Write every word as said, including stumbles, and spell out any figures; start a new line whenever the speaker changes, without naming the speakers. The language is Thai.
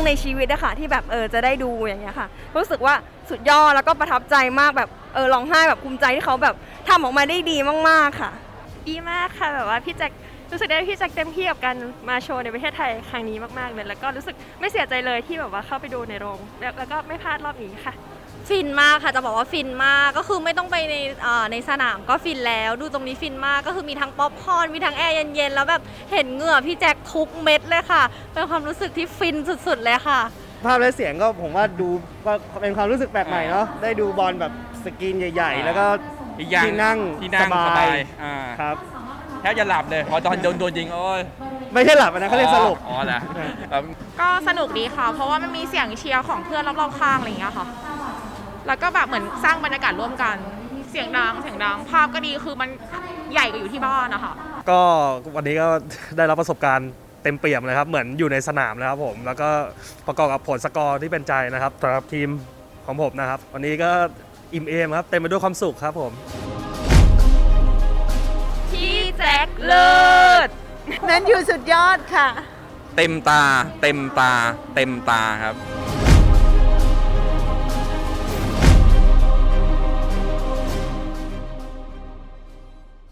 ในชีวิตอะค่ะที่แบบเออจะได้ดูอย่างเงี้ยค่ะรู้สึกว่าสุดยอดแล้วก็ประทับใจมากแบบเออร้องไห้แบบภูมิใจที่เขาแบบทำออกมาได้ดีมากๆค่ะ
ดีมากค่ะแบบว่าพี่แจ็ครู้สึกได้พี่แจ็คเต็มที่กับการมาโชว์ในประเทศไทยครั้งนี้มากๆเลยแล้วก็รู้สึกไม่เสียใจเลยที่แบบว่าเข้าไปดูในโรงแล้วแล้วก็ไม่พลาดรอบนี้ค่ะ
ฟินมากค่ะจะบอกว่าฟินมากก็คือไม่ต้องไปในในสนามก็ฟินแล้วดูตรงนี้ฟินมากก็คือมีทั้งป๊อปคอร์นมีทั้งแอร์เย็นๆแล้วแบบเห็นเหงื่อพี่แจ็คทุกเม็ดเลยค่ะเป็นความรู้สึกที่ฟินสุดๆเลยค่ะ
ภาพและเสียงก็ผมว่าดูก็เป็นความรู้สึกแปลกใหม่เนาะได้ดูบอลแบบสกรีนใหญ่ๆแล้วก็
อีกอย่าง
ที่นั่ง
ที่นั่ง
ส
ส
บา
บาย ยอ่า
ครับ
แทบจะหลับเลยพอตอนโดนโดนยิงโอ้ย
ไม่ใช่หลับนะเขาเรียกสลบ
อ๋อเหรอ
ก็สนุกดีค่ะ เพราะว่ามันมีเสียงเชียร์ของเพื่อนรอบๆข้างอะไรอย่างเงี้ยค่ะ แล้วก็แบบเหมือนสร้างบรรยากาศร่วมกัน เสียงดังเสียงดังภาพก็ดีคือมันใหญ่กว่าอยู่ที่บ้านนะคะ
ก็วันนี้ก็ได้รับประสบการณ์เต็มเปี่ยมเลยครับเหมือนอยู่ในสนามเลยครับผมแล้วก็ประกอบกับผลสกอร์ที่เป็นใจนะครับสำหรับทีมของผมนะครับ วันนี้ก็อิ่มเอมครับเต็มไปด้วยความสุขครับผม
พี่แจ็คเลิศ
นั้นอยู่สุดยอดค่ะ
เต็มตาเต็มตาเต็มตาครับ